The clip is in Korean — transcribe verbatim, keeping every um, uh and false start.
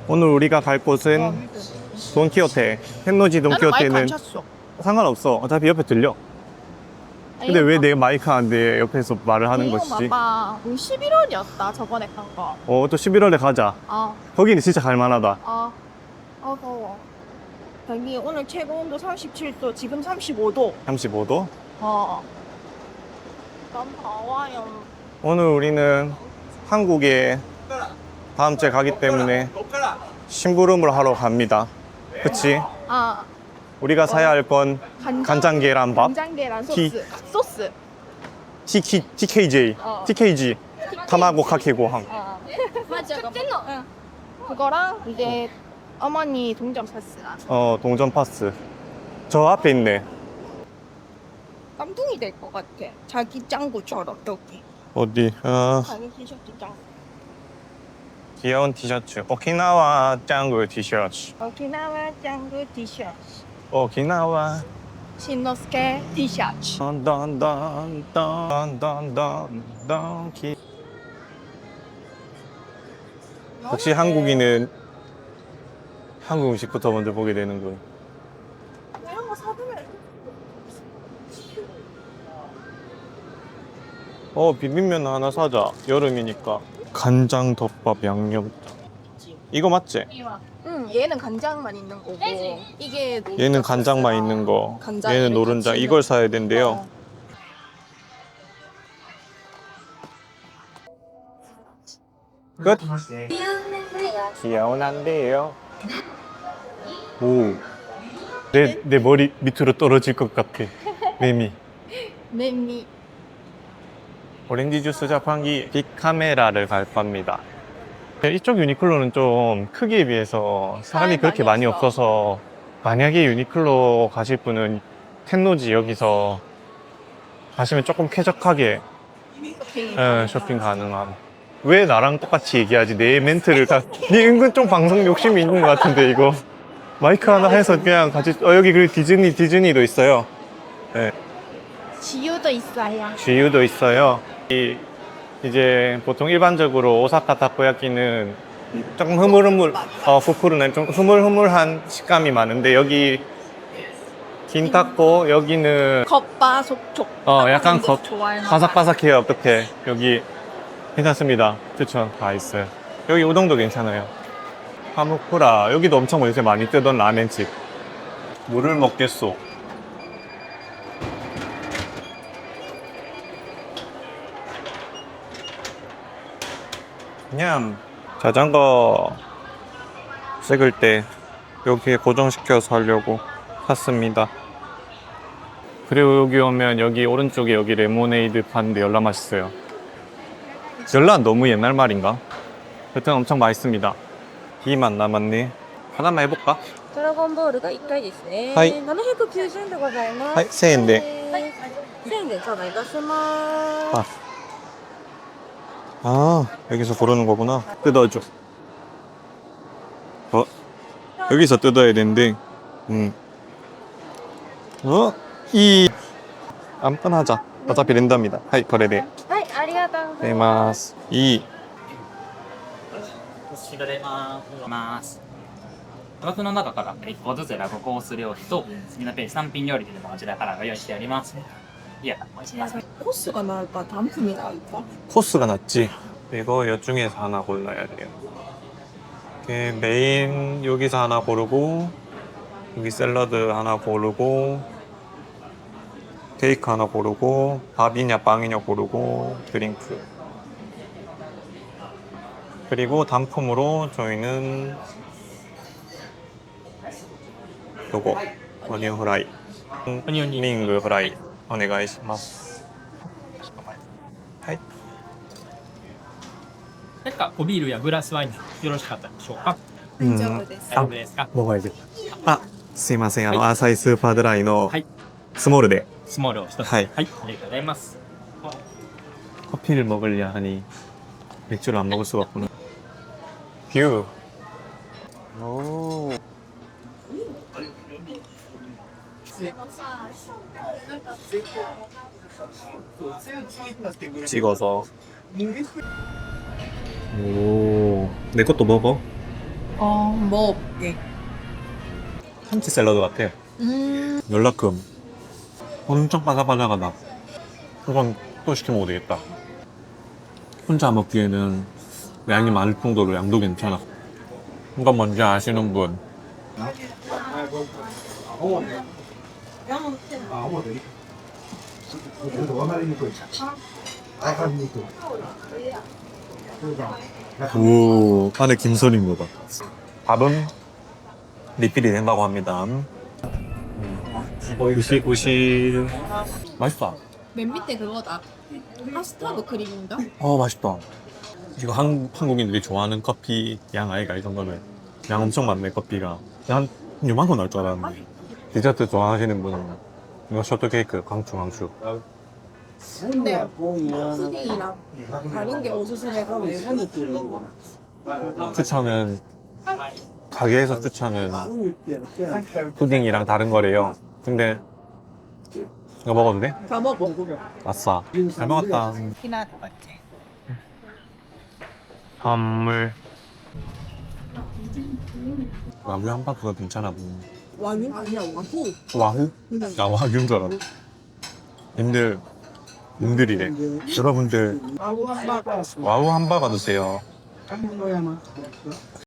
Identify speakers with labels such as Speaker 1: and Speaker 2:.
Speaker 1: 오늘 우리가 갈 곳은 돈키호테. 텐노지
Speaker 2: 나는 마이크 안
Speaker 1: 돈키호테는
Speaker 2: 찼어.
Speaker 1: 상관없어. 어차피 옆에 들려. 근데 왜 내 마이크 안 돼? 옆에서 말을 하는
Speaker 2: 이거
Speaker 1: 것이지?
Speaker 2: 봐봐. 우리 십일월이었다 저번에 간 거.
Speaker 1: 어, 또 십일월에 가자.
Speaker 2: 아,
Speaker 1: 거기는 진짜 갈만하다.
Speaker 2: 아, 아 더워. 여기 오늘 최고 온도 삼십칠 도, 지금 삼십오 도.
Speaker 1: 삼십오 도.
Speaker 2: 어. 너무 더워요.
Speaker 1: 오늘 우리는 한국에 다음 주에 가기 때문에 심부름을 하러 갑니다. 그치?
Speaker 2: 아,
Speaker 1: 우리가 사야 할 건
Speaker 2: 간장,
Speaker 1: 간장 계란밥,
Speaker 2: 간장 계란
Speaker 1: 티.
Speaker 2: 소스. 소스.
Speaker 1: 티키, 티케이제이,
Speaker 2: 어.
Speaker 1: 티케이지, 타마고 카케고항.
Speaker 2: 어. 맞아. 응. 그거랑 이제 어머니 동전 파스라.
Speaker 1: 어, 동전 파스. 저 앞에 있네.
Speaker 2: 깜둥이 될 것 같아. 자기 짱구처럼 여기.
Speaker 1: 어디? 아,
Speaker 2: 자기 티셔츠 짱구.
Speaker 1: 귀여운 티셔츠. 오키나와 짱구 티셔츠.
Speaker 2: 오키나와 짱구 티셔츠.
Speaker 1: 오키나와.
Speaker 2: 신노스케 티셔츠.
Speaker 1: 던던던던던던던 기. 역시 한국인은 한국 음식부터 먼저 보게 되는군.
Speaker 2: 이런 거 사두면
Speaker 1: 어, 비빔면 하나 사자. 여름이니까. 간장 덮밥 양념. 이거 맞지?
Speaker 2: 응, 얘는 간장만 있는 거고 이게
Speaker 1: 얘는 간장만 있는 거.
Speaker 2: 간장
Speaker 1: 얘는
Speaker 2: 이렇게
Speaker 1: 노른자.
Speaker 2: 같이
Speaker 1: 이걸 사야 된대요.
Speaker 2: 어.
Speaker 1: 끝. 귀여운한데요. 오. 내, 내 머리 밑으로 떨어질 것 같아. 매미.
Speaker 2: 메미.
Speaker 1: 오렌지 주스 자판기 빅카메라를 갈 겁니다. 이쪽 유니클로는 좀 크기에 비해서 사람이
Speaker 2: 사람이
Speaker 1: 그렇게
Speaker 2: 많이
Speaker 1: 많이
Speaker 2: 없어.
Speaker 1: 없어서 만약에 유니클로 가실 분은 텐노지 여기서 가시면 조금 쾌적하게 예, 쇼핑 가능함. 왜 나랑 똑같이 얘기하지? 내 멘트를 다. 네 은근 좀 방송 욕심이 있는 것 같은데 이거. 마이크 하나 해서 그냥 같이. 어, 여기 그 디즈니 디즈니도 있어요. 네.
Speaker 2: 지유도 있어요.
Speaker 1: 지유도 있어요. 이, 이제 보통 일반적으로 오사카 타코야끼는 조금 흐물흐물, 어, 후쿠르는 좀 흐물흐물한 식감이 많은데 여기 긴타코 여기는
Speaker 2: 겉바속촉.
Speaker 1: 어 약간 겉
Speaker 2: 좋아하는
Speaker 1: 바삭바삭해요. 어떻게 여기 괜찮습니다. 추천 다 있어요. 여기 우동도 괜찮아요. 하무쿠라 여기도 엄청 요새 많이 뜨던 라멘집. 물을 먹겠소. 냠. 자전거 찍을 때 여기에 고정시켜서 하려고 샀습니다. 그리고 여기 오면 여기 오른쪽에 여기 레모네이드 파는데 열라 맛있어요. 열라 너무 옛날 말인가? 여튼 엄청 맛있습니다. 비만 남았네. 하나만 해볼까?
Speaker 3: ドラゴンボールがいっかいですね。
Speaker 1: はい
Speaker 3: ななひゃくきゅうじゅうえんでございます。
Speaker 1: はい、せんえんで。
Speaker 3: はい。せんえんで頂戴いたします。
Speaker 1: 아. 아, 여기서 고르는 거구나. 뜯어줘. 어? 여기서 뜯어야 되는데, 음. 어? 이, 아무거나 하자. 어차피 랜덤이다. 하이, 거래돼.
Speaker 3: はい、ありがとうござい
Speaker 1: 네,
Speaker 3: ま
Speaker 1: 마스.
Speaker 3: す。
Speaker 1: 이.
Speaker 4: 調べます枠の中からいっこずつラゴコース料理と次のページさん品料理でもこちらからご用意してありますいやおいしいです
Speaker 2: 코스가 나을까? 단품이 나을까?
Speaker 1: 코스가 낫지. 이거 여 중에서 하나 골라야 돼요. 이렇게 메인 여기서 하나 고르고, 여기 샐러드 하나 고르고, 케이크 하나 고르고, 밥이냐 빵이냐 고르고, 드링크. 그리고 단품으로 저희는 요거 어니언 후라이,
Speaker 4: 오니언 링
Speaker 1: 링그 후라이 오네가이시마스. 하이.
Speaker 4: 何かおビールやグラスワインよろしかったでしょうか
Speaker 1: 음,
Speaker 2: 大丈夫です。
Speaker 4: 大丈夫ですか
Speaker 1: 먹어야 돼. 아, すいません。あの、アサイスーパードライの
Speaker 4: はい
Speaker 1: スモールで
Speaker 4: スモールを一つ
Speaker 1: はい
Speaker 4: はい、ありがとうございます
Speaker 1: 커피를 먹으려 하니 맥주를 안 먹을 수가 없구나. 뷰. 오. 찍어서. 오. 내 것도 먹어.
Speaker 2: 어, 먹어볼게.
Speaker 1: 참치 샐러드 같아.
Speaker 2: 음,
Speaker 1: 연락금 엄청 바삭바삭하다. 이건 또 시켜 먹어도 되겠다. 혼자 먹기에는 양이 많을 정도로 양도 괜찮아. 이건 뭔지 아시는 분? 오, 안에 김선인 거 봐. 밥은 리필이 된다고 합니다. 구시구시. 맛있다.
Speaker 2: 맨 밑에 그거다. 카스타드 크림인가?
Speaker 1: 어, 맛있다. 이거 한, 한국인들이 좋아하는 커피 양 아이가 이 정도면 양 엄청 많네, 커피가. 한 요만큼 나올 줄 알았는데. 디저트 좋아하시는 분은 이거 쇼트케이크 강추 강추.
Speaker 2: 근데 푸딩이랑 다른 게 어수선해서
Speaker 1: 추천은 가게에서 추천은 푸딩이랑 다른 거래요. 근데 이거 먹어도 돼?
Speaker 2: 다 먹어.
Speaker 1: 아싸. 잘 먹었다.
Speaker 2: 키나 같아.
Speaker 1: 선물. 와규 함박스가 괜찮아 보이네.
Speaker 2: 와인 아니야 와후.
Speaker 1: 와규? 나 와규인 줄 알았네. 님들, 님들이래. 여러분들,
Speaker 2: 와후 한바.
Speaker 1: 와우 함바가 드세요.